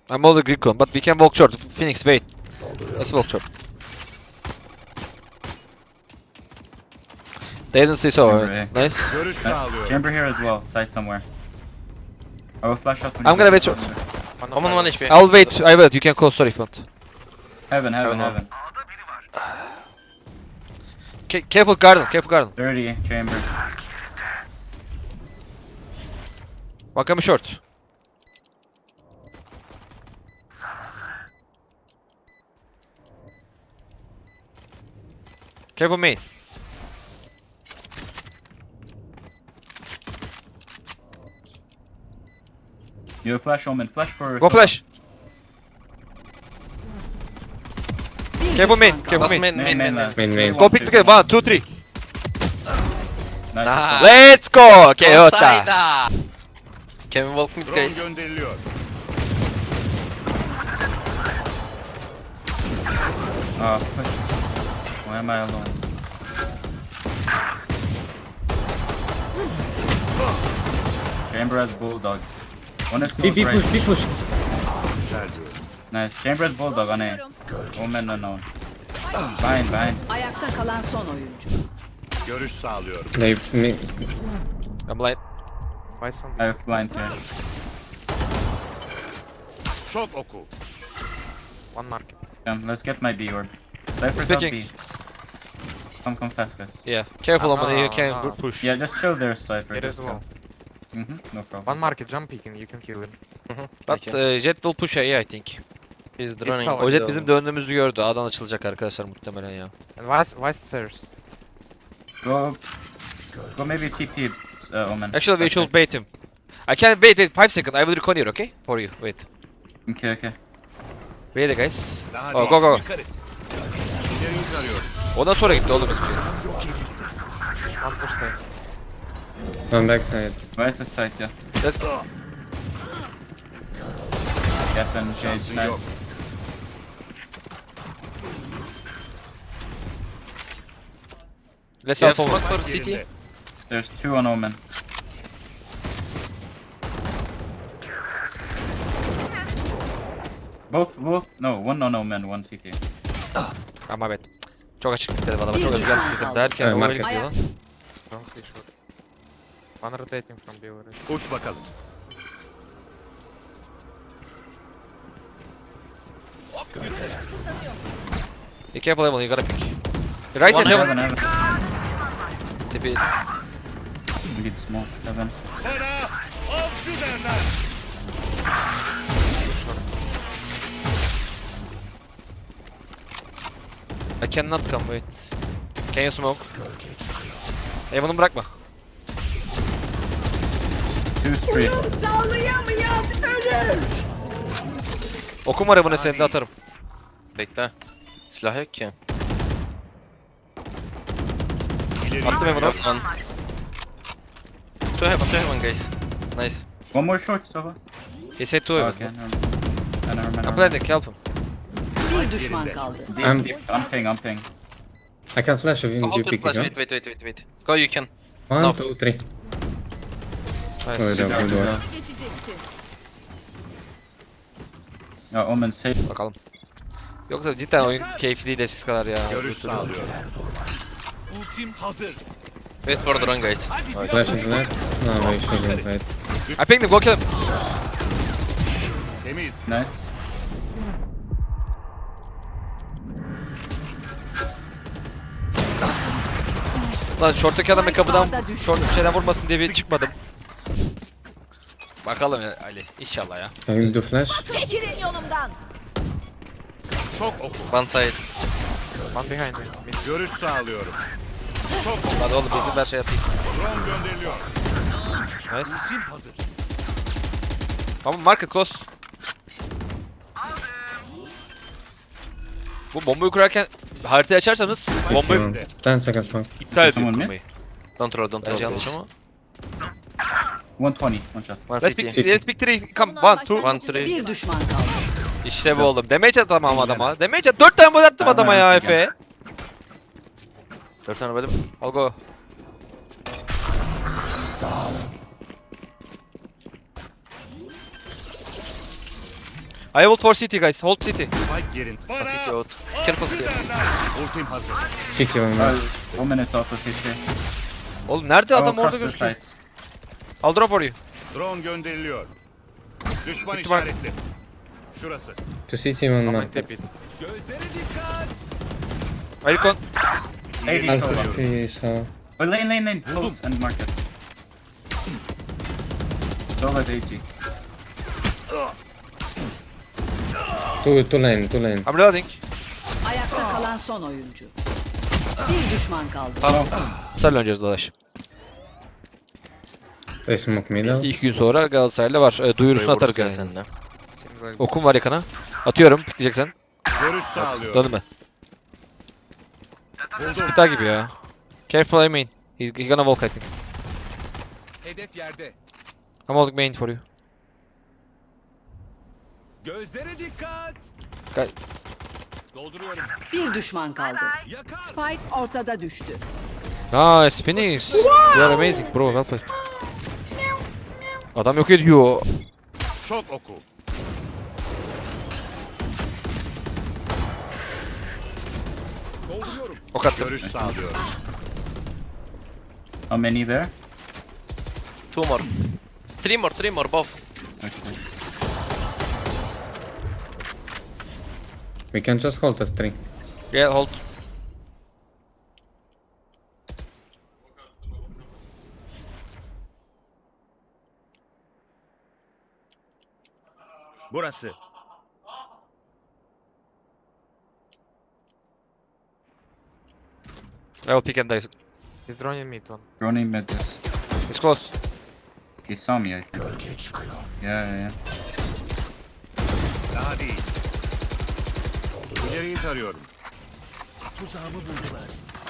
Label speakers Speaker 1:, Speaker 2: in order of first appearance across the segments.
Speaker 1: I'm all the Greek one, but we can walk short. Phoenix, wait. Let's walk short. They didn't see so. Nice.
Speaker 2: Görüş sağlıyorum.
Speaker 3: Chamber here as well, side somewhere. I will flash out.
Speaker 1: I'm gonna wait short.
Speaker 4: Omen 1 HP.
Speaker 1: I'll wait. I wait. You can close. Sorry, front.
Speaker 3: Heaven.
Speaker 4: Heaven.
Speaker 1: Careful garden. Careful garden.
Speaker 3: 30 chamber.
Speaker 1: One coming short. Careful main.
Speaker 3: You flash Omen. Flash for.
Speaker 1: Go flash. Careful main. Careful
Speaker 4: Last
Speaker 1: main.
Speaker 4: main.
Speaker 5: Main.
Speaker 1: Go pick together. 1, 2, 3.
Speaker 3: Nice.
Speaker 4: Nah.
Speaker 1: Let's go. Okay, Ota.
Speaker 4: Offside. Can we walk mid
Speaker 2: Drone
Speaker 4: guys?
Speaker 2: gönderiliyor.
Speaker 3: Oh, push. Why am I alone? Chamber has bulldog. One is close
Speaker 5: B
Speaker 3: right.
Speaker 5: push, B push.
Speaker 2: Güzel diyorum.
Speaker 3: Nice. Chamber has bulldog on A. Omen unknown. Behind.
Speaker 6: Ayakta kalan son oyuncu.
Speaker 2: Görüş sağlıyorum.
Speaker 5: They me.
Speaker 1: I'm blind.
Speaker 3: I have blind here.
Speaker 2: Şok oku.
Speaker 3: Let's get my B orb. Cypher's up
Speaker 1: Speaking.
Speaker 3: B. Come fast, guys.
Speaker 1: Yeah. Careful, Oman. You can push.
Speaker 3: Yeah, just chill there, Cypher.
Speaker 7: It
Speaker 3: Just
Speaker 7: is
Speaker 3: go.
Speaker 7: well.
Speaker 3: No problem.
Speaker 7: One market jump peeking, you can kill him.
Speaker 1: But Jet will push A, I think.
Speaker 4: He's running.
Speaker 7: so-
Speaker 1: O Jet bizim döndüğümüzü gördü. A'dan açılacak arkadaşlar muhtemelen ya.
Speaker 7: And why stairs?
Speaker 3: Go maybe TP, Omen.
Speaker 1: Actually, we
Speaker 3: That's
Speaker 1: should
Speaker 3: it.
Speaker 1: bait him. I can wait 5 seconds. I will recon here, okay? For you. Wait.
Speaker 3: Okay.
Speaker 1: Ready guys.
Speaker 2: Daha
Speaker 1: Oh, go.
Speaker 2: Yukarı. İleriyi tarıyorum.
Speaker 1: Ondan sonra gitti oğlum.
Speaker 7: One push stairs.
Speaker 5: On backside.
Speaker 3: Where's the site? Yeah.
Speaker 1: Let's go.
Speaker 3: Captain Chase,
Speaker 2: Şansın
Speaker 3: nice.
Speaker 2: yok.
Speaker 1: Let's
Speaker 4: You have
Speaker 1: help
Speaker 4: smoke
Speaker 1: Oman.
Speaker 4: for CT?
Speaker 2: Yerinde.
Speaker 3: There's 2 on Omen. Both, no, one on Omen, one CT.
Speaker 1: Ama evet. Çok açık bitti dedim adama. Çok özgür bitti derken
Speaker 5: Evet,
Speaker 1: o
Speaker 5: market.
Speaker 1: gidiyor lan.
Speaker 7: Don't see short. One rotating from B already.
Speaker 2: Uç bakalım.
Speaker 1: Be careful Evan, you gotta pick. Right side Heaven.
Speaker 3: Heaven.
Speaker 4: TP.
Speaker 3: Get smoke, Heaven.
Speaker 2: Bana avcı derler.
Speaker 1: I cannot come, wait. Can you smoke? Evan'ı bırakma.
Speaker 3: 2-3.
Speaker 6: Sağlayamayan ölür.
Speaker 1: Okum var Evan'ı seni de atarım.
Speaker 4: Bekle. Silah yok ki.
Speaker 2: İleriyi
Speaker 1: Attım Evan'ı.
Speaker 4: One. Two heaven guys. Nice.
Speaker 3: One more short, Sova.
Speaker 1: He said to Evan.
Speaker 3: Okay, never mind.
Speaker 1: I'm blending, help him.
Speaker 6: Bir düşman kaldı.
Speaker 3: I'm ping.
Speaker 5: I can flash if you
Speaker 4: Hold your
Speaker 5: pick
Speaker 4: flash.
Speaker 5: it.
Speaker 4: Wait. Go, you can.
Speaker 5: One,
Speaker 4: No.
Speaker 5: 2, 3.
Speaker 1: Nice.
Speaker 5: Oh,
Speaker 3: Go,
Speaker 5: good
Speaker 3: go.
Speaker 5: one.
Speaker 6: Geçecekti.
Speaker 3: Omen safe.
Speaker 1: Bakalım. Yoksa cidden oyun keyifli değil eskisi kadar ya.
Speaker 2: Görüş sağlıyorum. Ultim hazır.
Speaker 4: Wait for the run guys.
Speaker 5: Flash into that. No, we shouldn't wait.
Speaker 1: I pinged him, go kill him.
Speaker 2: Temiz.
Speaker 3: Nice.
Speaker 1: Lan shorttaki adam kapıdan short şeyden vurmasın diye bir çıkmadım. Bakalım ya Ali, inşallah ya.
Speaker 5: I will do flash.
Speaker 6: Çekilin yolumdan.
Speaker 2: Şok oku.
Speaker 4: One side.
Speaker 7: One behind me. Mid.
Speaker 2: Görüş sağlıyorum. Şok oku.
Speaker 1: Hadi oğlum bizim her şey yapayım.
Speaker 2: Drone gönderiliyor.
Speaker 1: Nice.
Speaker 2: Ultim hazır.
Speaker 1: Tamam market close. Bu bombayı kurarken haritayı açarsanız bombayı
Speaker 5: Maximum. 10 seconds smoke.
Speaker 1: iptal
Speaker 3: Someone
Speaker 1: ediyor
Speaker 3: mid?
Speaker 1: kurmayı.
Speaker 4: Don't roll.
Speaker 1: Bence yanlış ama.
Speaker 3: 120, one shot.
Speaker 4: One
Speaker 1: Let's
Speaker 4: CT.
Speaker 1: pick, let's pick three. Come, one, two.
Speaker 4: One, three.
Speaker 6: Bir düşman kaldı.
Speaker 1: İşte bu oğlum. Damage at tamam adama. Damage at. 4 tane bot attım adama ya Efe.
Speaker 4: 4 tane böyle.
Speaker 1: Al go. I hold for CT guys. Hold CT.
Speaker 2: Spike yerin.
Speaker 4: City out. Careful stairs.
Speaker 2: Ultim hazır.
Speaker 5: City one more.
Speaker 3: Woman is also city.
Speaker 1: Oğlum nerede adam
Speaker 3: Across
Speaker 1: orada
Speaker 3: the
Speaker 1: gözüküyor.
Speaker 3: site.
Speaker 1: I'll drop for you.
Speaker 2: Drone gönderiliyor. Düşman
Speaker 1: Bitti bak.
Speaker 2: işaretli. Şurası.
Speaker 5: To City one
Speaker 7: I'm
Speaker 5: more.
Speaker 7: in TP.
Speaker 2: Gözlere dikkat.
Speaker 1: Recon.
Speaker 3: Lady solo.
Speaker 5: Alpha P so.
Speaker 3: Oh, lane. Close and market. Solo's AG.
Speaker 5: Two lane.
Speaker 1: I'm reloading.
Speaker 6: Ayakta kalan son oyuncu. Bir düşman kaldı.
Speaker 1: Sarı oynayacağız dolaş.
Speaker 5: They smoke middle.
Speaker 1: 2 gün sonra Galatasaray'la var. Duyurusunu
Speaker 4: Burayı
Speaker 1: atarız
Speaker 4: vurduk ya
Speaker 1: yani.
Speaker 4: seninle.
Speaker 7: Single.
Speaker 1: Okum var yakana. Atıyorum. Pikleyeceksen.
Speaker 2: Görüş sağlıyorum.
Speaker 1: Döndüm ben. Spita gibi ya. Careful I main. He's gonna walk I think.
Speaker 2: Hedef yerde.
Speaker 1: I'm holding main for you.
Speaker 2: Gözlere dikkat.
Speaker 1: Gel.
Speaker 2: Dolduruyorum.
Speaker 6: Bir düşman kaldı.
Speaker 2: Yakar.
Speaker 6: Spike ortada düştü.
Speaker 1: Nice Phoenix. You are amazing bro. Well played. Adam yok ediyor.
Speaker 2: Şok oku. Dolduruyorum.
Speaker 1: Ok attım.
Speaker 2: Görüş sağlıyorum.
Speaker 3: How many there?
Speaker 4: 2 more. 3 more, both.
Speaker 3: Okay.
Speaker 5: We can just hold us 3.
Speaker 1: Yeah hold.
Speaker 2: Burası.
Speaker 1: I will pick and dice.
Speaker 7: He's droning mid one.
Speaker 3: Running mid this.
Speaker 1: It's close.
Speaker 3: He saw me, I think. Yeah.
Speaker 2: Daha değil. İleriyi tarıyorum. Tuzağımı buldular.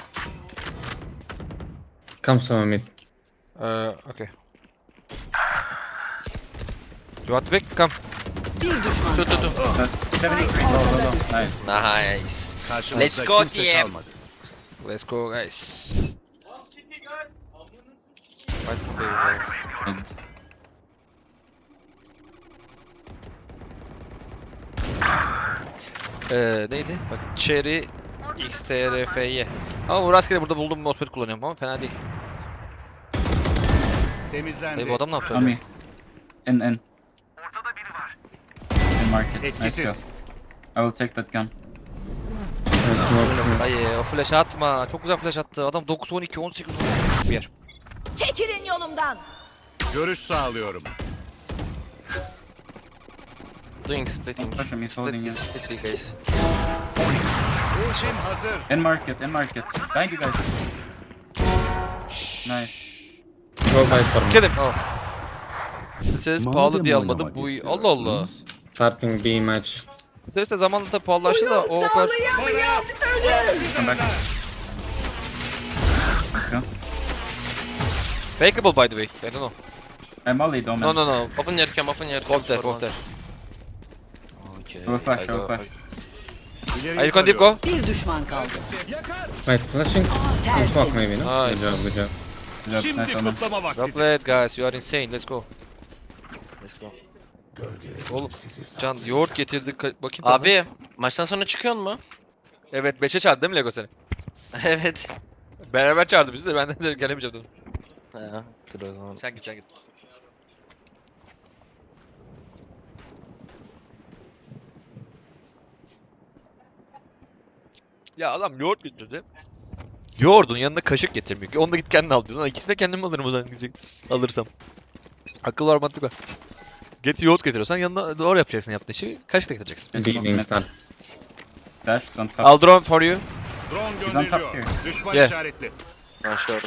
Speaker 5: Come someone mid.
Speaker 1: Okay. You want to pick? Come.
Speaker 6: Bir düşman
Speaker 4: Two.
Speaker 3: Just 73. Low. Nice.
Speaker 4: Nice.
Speaker 2: Karşımızda
Speaker 4: Let's go
Speaker 2: kimse
Speaker 4: team.
Speaker 2: kalmadı.
Speaker 1: Let's go guys.
Speaker 7: Why should they go?
Speaker 3: Mid.
Speaker 1: Neydi? Bak Cherry XTRFY. Ama bu rastgele burada bulduğum mousepad kullanıyorum ama fena değil.
Speaker 2: Temizlendi.
Speaker 1: Dayı bu adam ne yaptı?
Speaker 3: On
Speaker 1: öyle?
Speaker 3: me. In. In market. Nice go.
Speaker 2: Etkisiz.
Speaker 3: I will take that gun.
Speaker 5: I smoke.
Speaker 1: Ay o flash atma. Çok güzel flash attı. Adam 9 12 18 bir yer.
Speaker 6: Çekilin yolumdan.
Speaker 2: Görüş sağlıyorum.
Speaker 4: Doing splitting.
Speaker 3: Don't push him, he's holding you.
Speaker 4: Split guys.
Speaker 2: Ultim hazır.
Speaker 3: In market. Thank you guys. Nice.
Speaker 5: Go fight for me.
Speaker 1: Kill him. Oh. Ses pahalı diye almadım. Bu Allah Allah.
Speaker 5: Starting B match.
Speaker 1: Ses de zamanla tabii pahalılaştı da o kadar.
Speaker 3: Come back. Let's go.
Speaker 1: Fakeable by the way. I don't know.
Speaker 3: I'm Ollie, Doman.
Speaker 1: No.
Speaker 4: Open your cam, open your cam.
Speaker 1: Walk there, walk there.
Speaker 4: Okay.
Speaker 3: I will flash,
Speaker 4: I
Speaker 3: I will
Speaker 4: go-
Speaker 3: flash.
Speaker 2: İleriyi
Speaker 1: Are you gonna deep go?
Speaker 6: Bir düşman kaldı.
Speaker 2: Yakar.
Speaker 5: Wait, flashing? You smoke maybe, no?
Speaker 1: Nice.
Speaker 5: Good job.
Speaker 3: Good job.
Speaker 2: Şimdi
Speaker 3: Nice Omen.
Speaker 2: kutlama vakti.
Speaker 1: Well played guys. You are insane. Let's go.
Speaker 4: Let's go.
Speaker 1: Oğlum Can yoğurt getirdi. Bakayım tadına.
Speaker 4: Abi maçtan sonra çıkıyor mu?
Speaker 1: Evet 5'e çağırdı değil mi Lego seni?
Speaker 4: Evet.
Speaker 1: Beraber çağırdı bizi de ben de gelemeyeceğim dedim.
Speaker 4: Ha, dur o zaman.
Speaker 1: Sen git. Ya adam yoğurt getirdi. Yoğurdun yanına kaşık getirmiyor ki. Onu da git kendin al diyorsun. Lan İkisini de kendim alırım o zaman diyecek. Alırsam. Akıl var mantık var. Yoğurt getiriyorsan yanına doğru yapacaksın yaptığın işi. Kaşık da getireceksin.
Speaker 3: Just
Speaker 5: B
Speaker 3: smoke
Speaker 5: being
Speaker 3: mid.
Speaker 5: start.
Speaker 3: Dash, don't touch.
Speaker 1: I'll drone for you.
Speaker 2: Drone
Speaker 3: He's on top
Speaker 2: gönderiliyor.
Speaker 3: here.
Speaker 2: Düşman
Speaker 1: Yeah.
Speaker 2: işaretli.
Speaker 4: Ha, sure.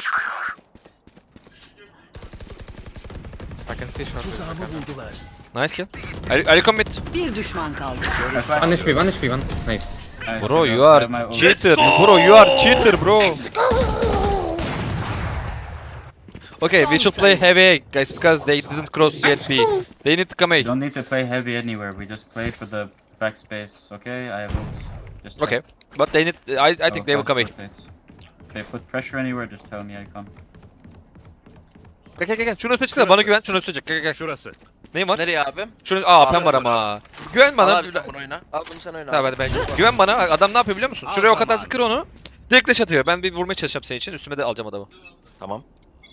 Speaker 7: I can see short.
Speaker 1: Nice kill. Are you commit?
Speaker 6: Bir düşman kaldı.
Speaker 3: I flash.
Speaker 5: 1 HP, 1 HP, 1. Nice.
Speaker 3: Nice,
Speaker 1: Bro
Speaker 3: good
Speaker 1: you
Speaker 3: job. I
Speaker 1: are
Speaker 3: have my ult.
Speaker 1: cheater. Bro you are cheater bro. Okay, we should play heavy A, guys because they didn't cross yet B. They need to come
Speaker 3: You
Speaker 1: A.
Speaker 3: don't need to play heavy anywhere. We just play for the backspace, okay? I have ult. Just check.
Speaker 1: Okay, but they need. I think they will
Speaker 3: fast
Speaker 1: come A.
Speaker 3: rotate. If they put pressure anywhere, just tell me I come.
Speaker 1: Gel. Şunu üstüne çıksana bana güven. Şunu üstüne çık. Gel.
Speaker 2: Şurası.
Speaker 1: Neyim var?
Speaker 4: Nereye abi?
Speaker 1: Şunu AP'm var ama. Güven
Speaker 4: Al
Speaker 1: bana.
Speaker 4: abi sen bunu oyna. Al bunu sen oyna.
Speaker 1: Tamam hadi ben. Güven bana. Adam ne yapıyor biliyor musun?
Speaker 2: Al
Speaker 1: Şuraya o kadar
Speaker 2: zamanı.
Speaker 1: zıkır onu. Direkt flash atıyor. Ben bir vurmaya çalışacağım senin için. Üstüme de alacağım adamı.
Speaker 4: Tamam.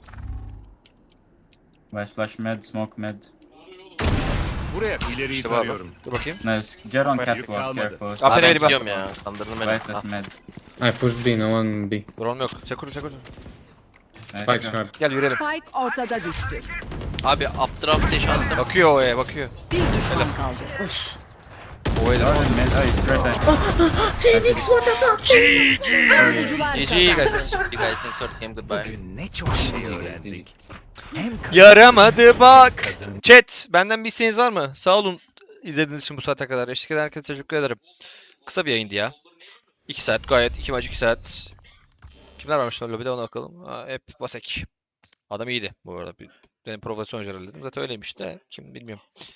Speaker 3: Vice flash mid, smoke mid.
Speaker 2: Buraya ileriyi
Speaker 4: İşte bu
Speaker 2: tarıyorum.
Speaker 1: Dur bakayım.
Speaker 3: Nice. Jet on
Speaker 2: Yük
Speaker 3: catwalk,
Speaker 2: kalmadı.
Speaker 3: careful.
Speaker 1: Up
Speaker 4: Abi
Speaker 1: and
Speaker 4: ben
Speaker 1: ready bak.
Speaker 4: gidiyorum ya. Kandırdım beni.
Speaker 3: Vice is mid.
Speaker 5: I pushed B, no one B.
Speaker 1: Drone yok. Çakur.
Speaker 5: Spike short.
Speaker 1: Gel yürüyelim.
Speaker 6: Spike ortada düştü.
Speaker 4: Abi updraft dash attım.
Speaker 1: Bakıyor O'ya bakıyor.
Speaker 6: Bir düşman kaldı.
Speaker 1: O'ya da.
Speaker 3: Mid, oh, he's right side.
Speaker 6: Savunucular
Speaker 1: GG
Speaker 6: kazandı.
Speaker 1: guys.
Speaker 4: You guys think short game goodbye.
Speaker 2: Ne çok şey öğrendik.
Speaker 1: Yaramadı bak. Chat benden bir isteğiniz var mı? Sağ olun izlediğiniz için bu saate kadar. Eşlik eden herkese teşekkür ederim. Kısa bir yayındı ya. 2 saat gayet. 2 maç 2 saat. Kimler varmış lan lobide ona bakalım. Ha, hep Vasek. Adam iyiydi bu arada. Benim provokasyon dedim. Zaten öyleymiş de kim bilmiyorum.